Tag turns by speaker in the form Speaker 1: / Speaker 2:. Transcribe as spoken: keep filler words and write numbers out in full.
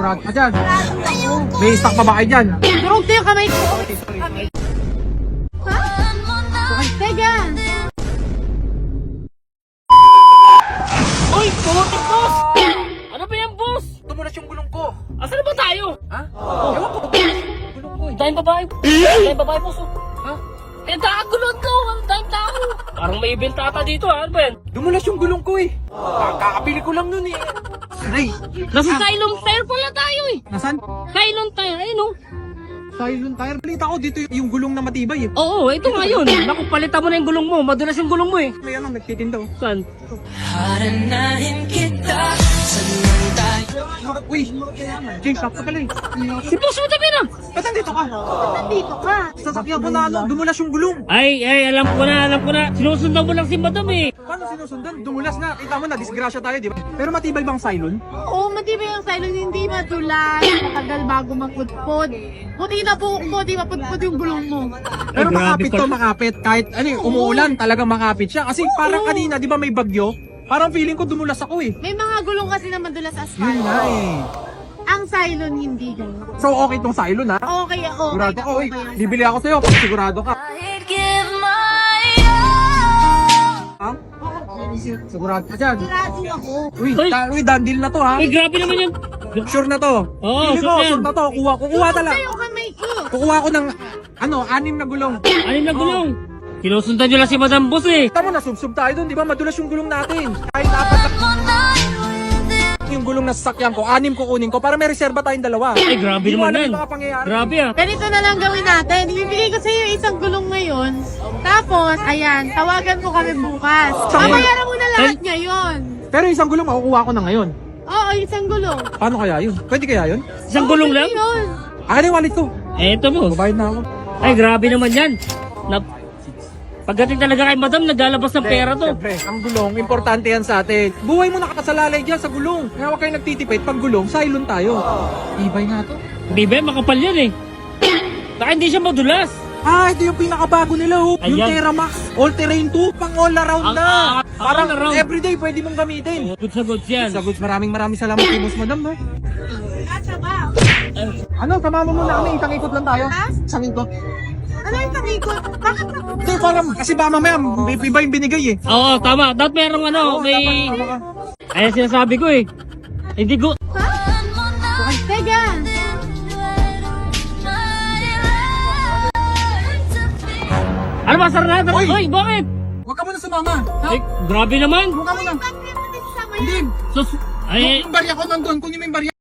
Speaker 1: Sigurado ka dyan. May stock pa ba kayo dyan?
Speaker 2: Durog tayo kamay ko.
Speaker 1: Okay, sorry.
Speaker 2: Ha? Okay, tega.
Speaker 3: Uy! Putik, boss! Ano ba yan, boss?
Speaker 1: Tumulas yung gulong ko.
Speaker 3: Asan na ba tayo?
Speaker 1: Ha? Ewan ko. Gulong ko eh.
Speaker 3: Dahil babae. Dahil babae, boss. oh.
Speaker 1: Ha?
Speaker 3: Eh, nakagulon to. Ang dahil tao. Parang may event ata dito, ha? Ano ba yan?
Speaker 1: Dumulas yung gulong ko eh. Kakabili ko lang nun eh. Aray!
Speaker 3: Nasa Cylon Tire pala tayo, eh.
Speaker 1: Nasaan?
Speaker 3: Cylon Tire, ayun, oh.
Speaker 1: Silent tire. Balita ko dito yung gulong na matibay eh.
Speaker 3: Oo, ito nga yun. Naku, palitan mo na yung gulong mo. Madulas yung gulong mo, eh.
Speaker 1: May ano, nagtitinda oh.
Speaker 3: Saan?
Speaker 1: Uy! James, sakto pala eh.
Speaker 3: Si boss mo tabi na.
Speaker 1: Ba't nandito ka?
Speaker 2: Nandito ka.
Speaker 1: Sasakyan ko na ano, dumulas yung gulong.
Speaker 3: Ay, ay, alam ko na, alam ko na. Sinusundan mo lang si madam, eh.
Speaker 1: Paano sinusundan? Dumulas na. Kita mo na, disgrasya tayo, di ba? Pero matibay bang silent?
Speaker 2: Oo, matibay ang silent, hindi madulas. Matagal bago magpudpod. Buti na po ko, di mapudpod yung gulong mo.
Speaker 1: Pero
Speaker 3: Ay, grabe
Speaker 1: makapit to,
Speaker 3: pala.
Speaker 1: makapit. Kahit ano eh, umuulan, talagang makapit siya. Kasi parang kanina, di ba may bagyo? Parang feeling ko dumulas ako eh.
Speaker 2: May mga gulong kasi na madulas
Speaker 1: Yun
Speaker 2: asphalt.
Speaker 1: nga eh.
Speaker 2: Ang silent hindi ganun.
Speaker 1: So okay tong silent ha?
Speaker 2: Okay, okay.
Speaker 1: Sigurado ko,
Speaker 2: okay,
Speaker 1: uy,
Speaker 2: okay.
Speaker 1: bibili ako sa'yo pag sigurado ka. Ha? Sigurado ka dyan.
Speaker 2: Sigurado ako.
Speaker 1: Uy,
Speaker 3: Uy.
Speaker 1: da- uy, done deal na to ha?
Speaker 3: Ay, grabe naman yun.
Speaker 1: Sure na to.
Speaker 3: Oo,
Speaker 1: Pili
Speaker 3: sure
Speaker 1: ko,
Speaker 3: na yan.
Speaker 1: sure na to. Kuha, kukuha
Speaker 2: Durog
Speaker 1: talaga.
Speaker 2: tayo kamay ko.
Speaker 1: Kukuha ko ng, ano, anim na gulong.
Speaker 3: Alin na gulong? Sinusundan nyo lang si madam boss, eh.
Speaker 1: Tama na, subsub tayo dun, di ba? Madulas yung gulong natin. Kahit apat na yung gulong na sasakyan ko, anim kukunin ko para may reserba tayong dalawa.
Speaker 3: Ay, grabe
Speaker 1: Di mo
Speaker 3: naman
Speaker 1: alam
Speaker 3: yan.
Speaker 1: yung mga pangyayari.
Speaker 3: Grabe, ah.
Speaker 2: Ganito na lang gawin natin. Ibibigay ko sa iyo isang gulong ngayon. Tapos, ayan, tawagan mo kami bukas.
Speaker 1: Saan?
Speaker 2: Babayaran mo na lahat ngayon.
Speaker 1: Pero isang gulong makukuha ko na ngayon.
Speaker 2: Oo, isang gulong.
Speaker 1: Paano kaya yun? Pwede kaya yun?
Speaker 3: Isang gulong lang?
Speaker 2: Yun.
Speaker 1: Akin yung wallet ko.
Speaker 3: Eto, boss.
Speaker 1: Babayad na ako.
Speaker 3: Ay, grabe naman yan. Na, pagdating talaga kay madam, naglalabas ng pera to.
Speaker 1: Siyempre, ang gulong, importante yan sa atin. Buhay mo nakasalalay dyan sa gulong. Kaya huwag kayo nagtitipid. Pag gulong, silent tayo. Ibay nga to.
Speaker 3: Di ba, makapal yan, eh. Baka hindi siya madulas.
Speaker 1: Ah, ito yung pinakabago nila. Oh. Yung
Speaker 3: Ayan.
Speaker 1: Terramax All Terrain two, pang all around
Speaker 3: Ang-
Speaker 1: na.
Speaker 3: ah,
Speaker 1: Parang
Speaker 3: all around.
Speaker 1: everyday pwede mong gamitin.
Speaker 3: Good sa goods yan.
Speaker 1: Sa goods, maraming maraming salamat kay Boss Madam. No?
Speaker 2: Nasa ba?
Speaker 1: Ano, tamama mo na kami. Isang ikot lang tayo.
Speaker 2: Ha?
Speaker 1: Isang ikot.
Speaker 2: Ano yung pag-ikot? Bakit ako?
Speaker 1: Hindi, parang, kasi ba mamaya, may iba yung binigay eh.
Speaker 3: Oo, tama. Dapat merong ano,
Speaker 1: Oo,
Speaker 3: may...
Speaker 1: dapat tama ka.
Speaker 3: Ayan sinasabi ko, eh. Hindi ko...
Speaker 2: Ha? Okay, tega.
Speaker 3: Ano ba, sarado?
Speaker 1: Uy!
Speaker 3: Uy, bakit?
Speaker 1: Huwag ka muna sumama. Ha?
Speaker 3: Eh, grabe naman.
Speaker 1: Huwag ka muna.
Speaker 2: Bakit mo din sa
Speaker 1: Hindi.
Speaker 3: Sus... Ay,
Speaker 1: Yung barya ko nandun. Kunin mo yung barya.